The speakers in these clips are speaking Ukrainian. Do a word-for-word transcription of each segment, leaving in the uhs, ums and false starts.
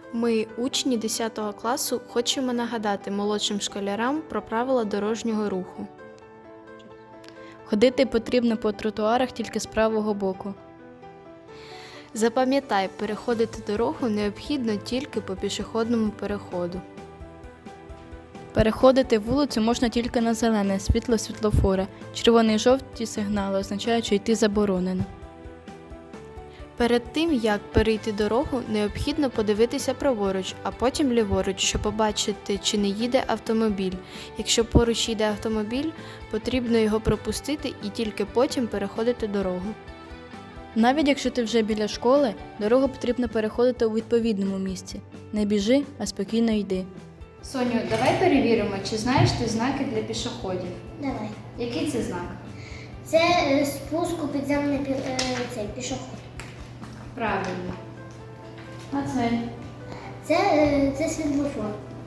Ми, учні десятого класу, хочемо нагадати молодшим школярам про правила дорожнього руху. Ходити потрібно по тротуарах тільки з правого боку. Запам'ятай, переходити дорогу необхідно тільки по пішохідному переходу. Переходити вулицю можна тільки на зелене світло світлофора. Червоний і жовті сигнали означають, що йти заборонено. Перед тим, як перейти дорогу, необхідно подивитися праворуч, а потім ліворуч, щоб побачити, чи не їде автомобіль. Якщо поруч їде автомобіль, потрібно його пропустити і тільки потім переходити дорогу. Навіть якщо ти вже біля школи, дорогу потрібно переходити у відповідному місці. Не біжи, а спокійно йди. Соню, давай перевіримо, чи знаєш ти знаки для пішоходів. Давай. Який це знак? Це е, спуск у підземний пі- е, цей пішохід. Правильно. А це? Це, е, це світлофор.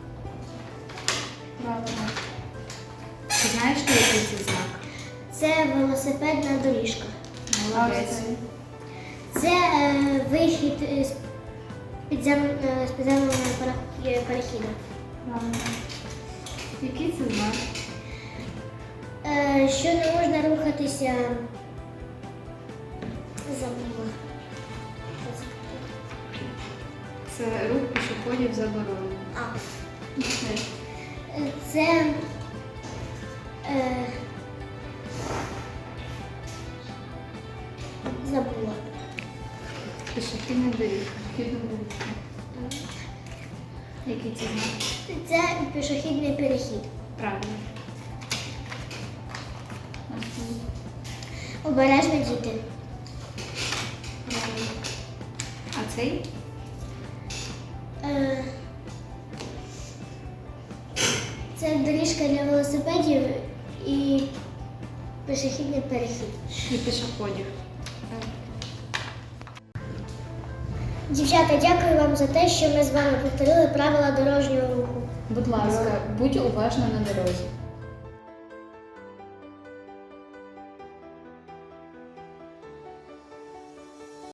Правильно. Чи знаєш ти, який це знак? Це велосипедна доріжка. Молодець. Це е, вихід е, з, підзем, е, з підземного перех- е, перехіду. Правильно. Який це знак? Е, що не можна рухатися. Забула. Це рух пішоходів заборонений. А. Е, Це е, забула. Пішохідна доріжка. Пішохідна доріжка. Який це знак? Це пішохідний перехід. Правильно. Обережно діти. Правильно. А цей? Е, Це доріжка для велосипедів і пішохідний перехід. І пішоходів. Дівчата, дякую вам за те, що ми з вами повторили правила дорожнього руху. Будь ласка, будь уважна на дорозі.